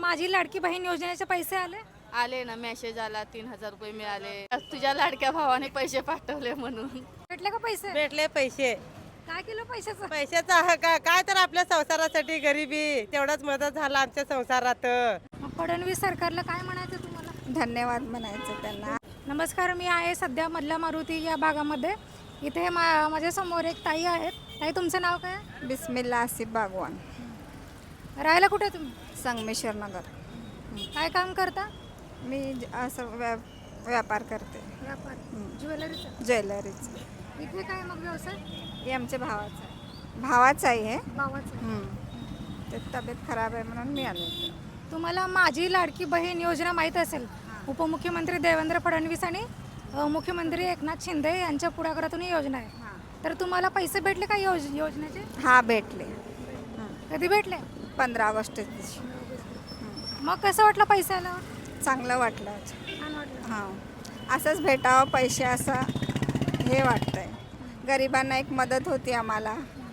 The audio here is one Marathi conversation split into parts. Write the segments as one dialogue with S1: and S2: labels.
S1: माझी लाडकी बहीण योजनेचे पैसे आले?
S2: आले ना, मेसेज आला 3000 रुपये मिळाले. तुझ्या लाडक्या भावाने पैसे पाठवले म्हणून.
S1: भेटले का पैसे?
S3: भेटले पैसे.
S1: काय केलं पैशाचं?
S3: पैशाचा काय तर आपल्या संसारासाठी गरिबी तेवढाच मदत झाला आमच्या संसारात.
S1: मग फडणवीस सरकारला काय म्हणायचं तुम्हाला?
S4: धन्यवाद म्हणायचं त्यांना.
S1: नमस्कार, मी आहे सध्या मधल्या मारुती या भागामध्ये. इथे माझ्या समोर एक ताई आहेत. ताई, तुमचं नाव काय?
S4: बिस्मिल्ला आसिफ बागवान,
S1: राहायला कुठे तुम्ही?
S4: संगमेश्वर नगर.
S1: काय काम करता?
S4: मी असं व्यापार करते,
S1: व्यापार, ज्वेलरीचा.
S4: ज्वेलरीचं.
S1: इथे काय मग व्यवसाय?
S4: हे आमच्या भावाचं आहे हे.
S1: भावाचं.
S4: ते तब्येत खराब आहे म्हणून मी आले होते.
S1: तुम्हाला माझी लाडकी बहीण योजना माहीत असेल. उपमुख्यमंत्री देवेंद्र फडणवीस आणि मुख्यमंत्री एकनाथ शिंदे यांच्या पुढाकारातून ही योजना आहे. तर तुम्हाला पैसे भेटले का योजनेचे?
S4: हा, भेटले.
S1: कधी भेटले?
S4: 15 ऑगस्ट दिवशी.
S1: मग कसं वाटलं पैसे आल्यावर?
S4: चांगलं वाटलं.
S1: छान वाटलं.
S4: हां, असंच भेटावं पैसे, असं हे वाटतंय. गरिबांना एक मदत होती आम्हाला.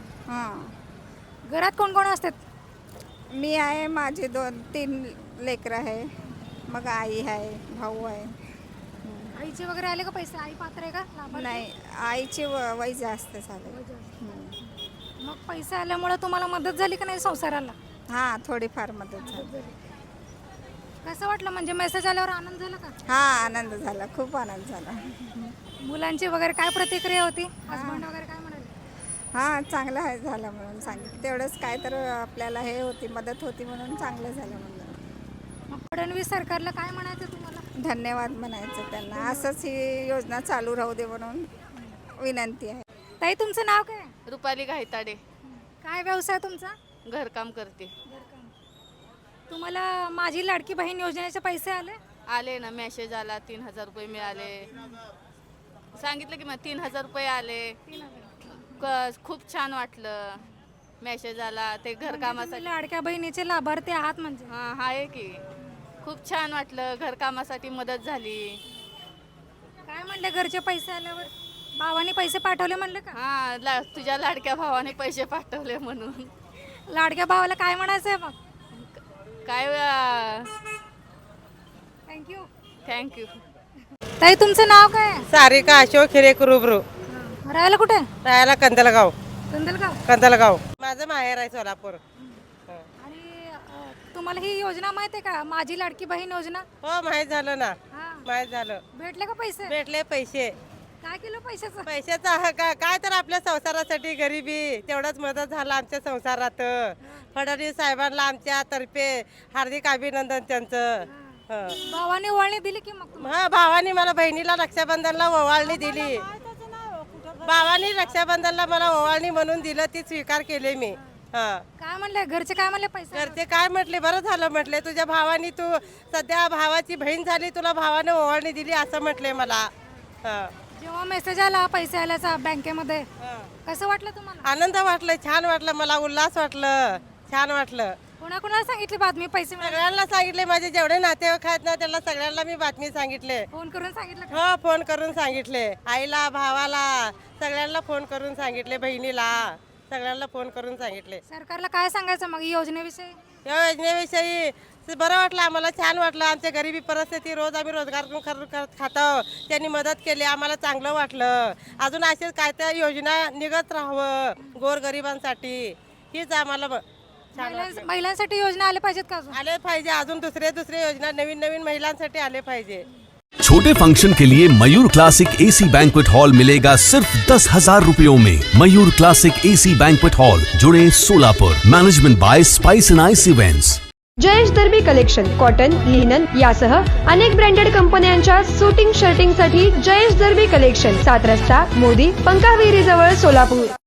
S4: हां.
S1: घरात कोण कोण असतात?
S4: मी आहे, माझे 2-3 लेकरं आहे, मग आई आहे, भाऊ आहे.
S1: आईचे वगैरे आले का पैसे? आई पात्र आहे का लाभार्थी?
S4: नाही, आईची वय जास्त झाले.
S1: मग पैसे आल्यामुळे तुम्हाला मदत झाली का नाही संसाराला?
S4: हां, थोडीफार मदत झाली.
S1: कसं वाटलं, म्हणजे मेसेज आल्यावर आनंद झाला का?
S4: हां, आनंद झाला, खूप आनंद झाला.
S1: मुलांची वगैरे काय प्रतिक्रिया होती? हसबंड वगैरे काय म्हणाले?
S4: हां, चांगलं आहे झालं म्हणून सांगितलं. तेवढंच काय तर आपल्याला हे होती, मदत होती म्हणून चांगलं झालं म्हणलं.
S1: मग फडणवीस सरकारला काय म्हणायचं तुम्हाला?
S4: धन्यवाद म्हणायचं त्यांना. असंच ही योजना चालू राहू दे म्हणून विनंती आहे.
S1: ताई, तुमचं नाव काय?
S2: रुपाली घायताडे.
S1: काय व्यवसाय तुमचा?
S2: घरकाम करते.
S1: तुम्हाला माझी लाडकी बहीण योजनेचे पैसे आले?
S2: आले ना, मेसेज आला 3000 रुपये मिळाले. सांगितलं की मग 3000 रुपये आले. खूप छान वाटलं. मेसेज आला ते घरकामासाठी.
S1: लाडक्या बहिणीचे लाभार्थी आहात म्हणजे?
S2: हां, आहे की. खूप छान वाटलं, घरकामासाठी मदत झाली.
S1: काय म्हणले घरचे पैसे आल्यावर? भावाने पैसे पाठवले म्हणले का?
S2: हां, तुझ्या लाडक्या भावाने पैसे पाठवले म्हणून.
S1: लाडक्या भावाला काय म्हणायचं आहे मग?
S2: काय
S1: थँक्यू.
S2: थँक्यू.
S1: ताई, तुमचं नाव काय?
S3: सारिका अशोक हिरेक रुबरू.
S1: राहायला कुठे?
S3: राहायला कंदलगाव.
S1: कंदलगाव.
S3: माझं माहेर आहे सोलापूर.
S1: आणि तुम्हाला ही योजना माहित आहे का, माझी लाडकी बहीण योजना?
S3: हो, माहीत झालं ना, माहीत झालं.
S1: भेटले का पैसे?
S3: भेटले पैसे.
S1: काय केलं पैशाचं?
S3: पैशाचा काय तर आपल्या संसारासाठी गरिबी तेवढाच मदत झाला आमच्या संसारात. फडणवीस साहेबांना आमच्या तर्फे हार्दिक अभिनंदन त्यांचं.
S1: भावाने ओवाळणी दिली की मग?
S3: हा, भावानी मला बहिणीला रक्षाबंधनला ओवाळणी दिली. भावानी रक्षाबंधनला मला ओवाळणी म्हणून दिलं, ती स्वीकार केले मी.
S1: काय म्हणले घरचे? काय म्हणले पैसे?
S3: घरचे काय म्हटले, बरं झालं म्हटले, तुझ्या भावानी, तू सध्या भावाची बहीण झाली, तुला भावाने ओवाळणी दिली असं म्हटले मला.
S1: जेव्हा मेसेज आला पैसे आल्याचा बँकेमध्ये, कसं वाटलं तुम्हाला?
S3: आनंद वाटलं, छान वाटलं, मला उल्हास वाटलं, छान वाटलं.
S1: कोणाकोणाला सांगितली बातमी पैसे मिळाले?
S3: सगळ्यांना सांगितले, माझे जेवढे नातेवाईक आहेत ना त्यांना सगळ्यांना मी बातमी सांगितले.
S1: फोन करून सांगितलं का?
S3: हो, फोन करून सांगितले. आईला, भावाला, सगळ्यांना फोन करून सांगितले, बहिणीला, सगळ्यांना फोन करून सांगितले.
S1: सरकारला काय सांगायचं मग योजनेविषयी?
S3: या योजनेविषयी बरं वाटलं आम्हाला, छान वाटलं. आमच्या गरिबी परिस्थिती, रोज आम्ही रोजगार खातो, त्यांनी मदत केली, आम्हाला चांगलं वाटलं. अजून असेच काय त्या योजना निघत राहावं गोरगरिबांसाठी, हीच आम्हाला छान वाटलं.
S1: महिलांसाठी योजना आल्या पाहिजेत का अजून?
S3: आले पाहिजे, अजून दुसरे योजना नवीन महिलांसाठी आले पाहिजे.
S5: छोटे फंक्शन के लिए Mayur classic AC banquet hall मिलेगा सिर्फ 10,000 रुपयों में। Mayur classic AC banquet hall, जुड़े Solapur. Management by spice and ice events.
S6: Jayesh Derby collection cotton, linen यासह अनेक ब्रँडेड कंपन्यांच्या सुटिंग शर्टिंग साठी जयेश दर्बी कलेक्शन, 7 रस्ता मोदी पंकाविरी जवळ सोलापूर।